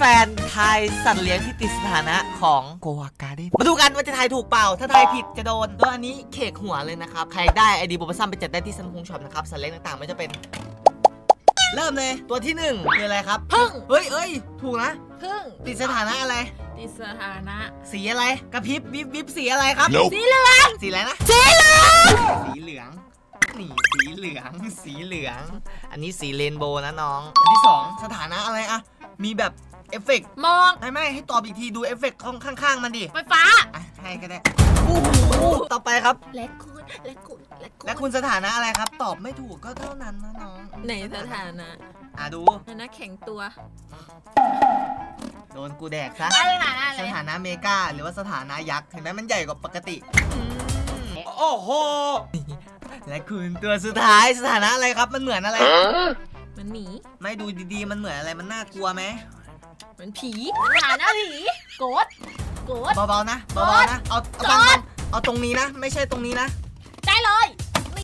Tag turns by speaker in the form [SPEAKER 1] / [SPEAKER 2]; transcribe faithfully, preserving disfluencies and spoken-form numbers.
[SPEAKER 1] ฟนๆทายสัตว์เลี้ยงที่ติดสถานะของโกวาการ์เด้นมาดูกันว่าจะทายถูกเปล่าถ้าทายผิดจะโดนก็อันนี้เขกหัวเลยนะครับใครได้ไอดีโบบัซัมไปจัดได้ที่ซัมซุงช็อปนะครับสัตว์เลี้ยงต่างๆไม่จะเป็นเริ่มเลยตัวที่หนึ่งคืออะไรครับ
[SPEAKER 2] พึ่ง
[SPEAKER 1] เฮ้ยเอ้ยถูกนะ
[SPEAKER 2] พึ่ง
[SPEAKER 1] ติดสถานะอะไร
[SPEAKER 2] ติดสถานะ
[SPEAKER 1] สีอะไรกระพริบวิบวิบสีอะไรครับ
[SPEAKER 3] Nope
[SPEAKER 2] สีเหลือง
[SPEAKER 1] สีอะไรนะ
[SPEAKER 2] สีเหลือง
[SPEAKER 1] สีเหลืองนี่สีเหลืองสีเหลือง อันนี้สีเรนโบว์นะน้องอันที่สองสถานะอะไรอะมีแบบเอฟเฟกต์
[SPEAKER 2] มอง
[SPEAKER 1] ไม่ไม่ให้ตอบอีกทีดูเอฟเฟกต์ข้างๆมันดิ
[SPEAKER 2] ไฟฟ้า
[SPEAKER 1] อ่ะให้ก็ได้โอ้โหต่อไปครับ
[SPEAKER 2] และคุณและคุณและคุณ
[SPEAKER 1] และคุณสถานะอะไรครับ ตอบไม่ถูกก็เท่านั้นนะน้อง
[SPEAKER 2] ไหนสถานะ
[SPEAKER 1] อ่ะดู
[SPEAKER 2] สถานะแข็งตัว
[SPEAKER 1] โดนกูแดกซะ
[SPEAKER 2] อะไรสถานะอะไร
[SPEAKER 1] สถานะเมกาหรือว่าสถานะยักษ์เห็นไหมมันใหญ่กว่าปกติ
[SPEAKER 3] โอ้โห
[SPEAKER 1] และคุณตัวสุดท้ายสถานะอะไรครับมันเหมือนอะไร
[SPEAKER 2] มันหมี
[SPEAKER 1] ไม่ดูดีๆมันเหมือนอะไรมันน่ากลัวไหม
[SPEAKER 2] เหมือนผีสถานะผีโกดโกด
[SPEAKER 1] เบาๆนะเบาๆนะเอาเอาฟังๆเอาตรงนี้นะ ไม่ใช่ตรงนี้นะ
[SPEAKER 2] ได้เลย